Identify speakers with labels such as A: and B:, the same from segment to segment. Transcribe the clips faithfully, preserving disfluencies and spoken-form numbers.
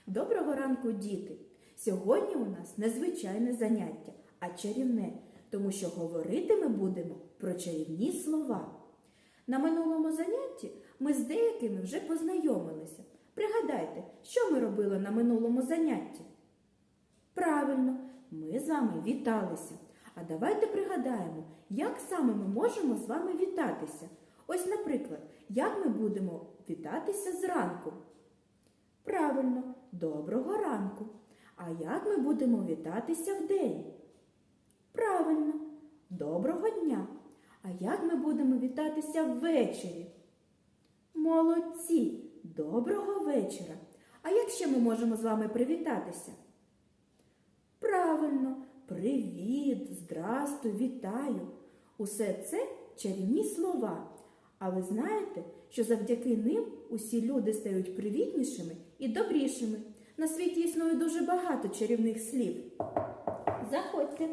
A: Доброго ранку, діти! Сьогодні у нас незвичайне заняття, а чарівне, тому що говорити ми будемо про чарівні слова. На минулому занятті ми з деякими вже познайомилися. Пригадайте, що ми робили на минулому занятті? Правильно, ми з вами віталися. А давайте пригадаємо, як саме ми можемо з вами вітатися. Ось, наприклад, як ми будемо вітатися зранку? Правильно, доброго ранку. А як ми будемо вітатися вдень? Правильно, доброго дня. А як ми будемо вітатися ввечері? Молодці, доброго вечора. А як ще ми можемо з вами привітатися? Правильно, привіт, здрастуй, вітаю. Усе це чарівні слова. А ви знаєте, що завдяки ним усі люди стають привітнішими і добрішими. На світі існує дуже багато чарівних слів. Заходьте.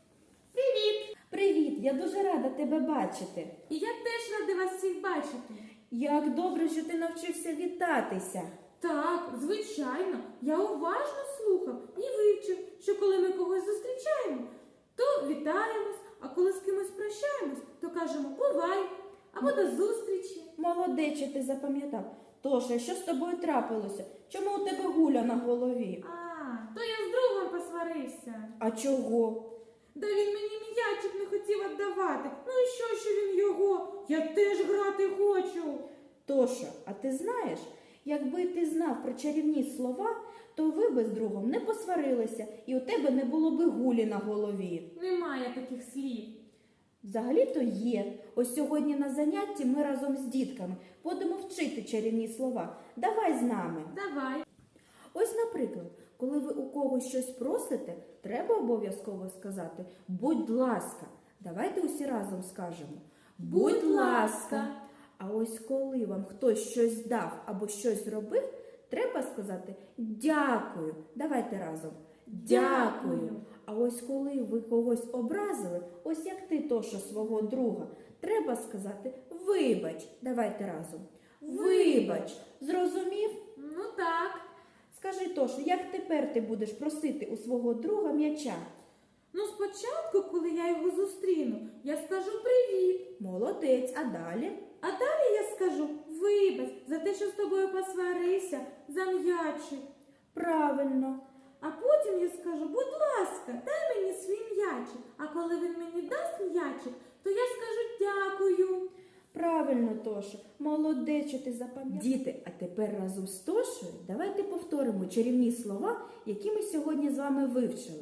B: Привіт!
A: Привіт, я дуже рада тебе бачити.
B: І я теж рада вас всіх бачити.
A: Як добре, що ти навчився вітатися.
B: Так, звичайно, я уважно слухав і вивчив, що коли ми когось зустрічаємо, то вітаємось, а коли з кимось прощаємось, то кажемо «бувай» або «до зустрічі».
A: Молодець, що ти запам'ятав. Тоша, що з тобою трапилося? Чому у тебе гуля на голові?
B: А, то я з другом посварився.
A: А чого?
B: Да він мені м'ячик не хотів віддавати. Ну і що, що він його? Я теж грати хочу.
A: Тоша, а ти знаєш, якби ти знав про чарівні слова, то ви би з другом не посварилися і у тебе не було би гулі на голові.
B: Немає таких слів.
A: Взагалі-то є. Ось сьогодні на занятті ми разом з дітками будемо вчити чарівні слова. Давай з нами.
B: Давай.
A: Ось, наприклад, коли ви у когось щось просите, треба обов'язково сказати «будь ласка». Давайте усі разом скажемо
B: Будь ласка.
A: А ось коли вам хтось щось дав або щось зробив, треба сказати «дякую». Давайте разом.
B: Дякую.
A: А ось коли ви когось образили, ось як ти, Тоша, свого друга, треба сказати «вибач». Давайте разом. Вибач. Зрозумів?
B: Ну так.
A: Скажи, Тоша, як тепер ти будеш просити у свого друга м'яча?
B: Ну, спочатку, коли я його зустріну, я скажу привіт.
A: Молодець, а далі?
B: А далі я скажу вибач за те, що з тобою посварився, за м'ячик.
A: Правильно.
B: А потім я скажу, будь ласка, дай мені свій м'ячик. А коли він мені дасть м'ячик, то я скажу дякую.
A: Правильно, Тоша. Молодець, що ти запам'ятав. Діти, а тепер разом з Тошею давайте повторимо чарівні слова, які ми сьогодні з вами вивчили.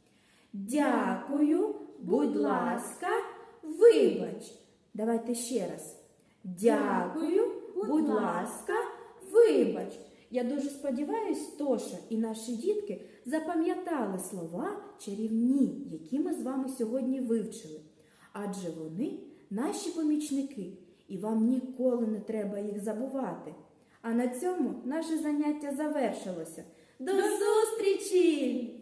A: Дякую, будь ласка, вибач. Давайте ще раз. Дякую, будь ласка, вибач. Я дуже сподіваюсь, Тоша і наші дітки запам'ятали слова чарівні, які ми з вами сьогодні вивчили. Адже вони наші помічники, і вам ніколи не треба їх забувати. А на цьому наше заняття завершилося. До зустрічі!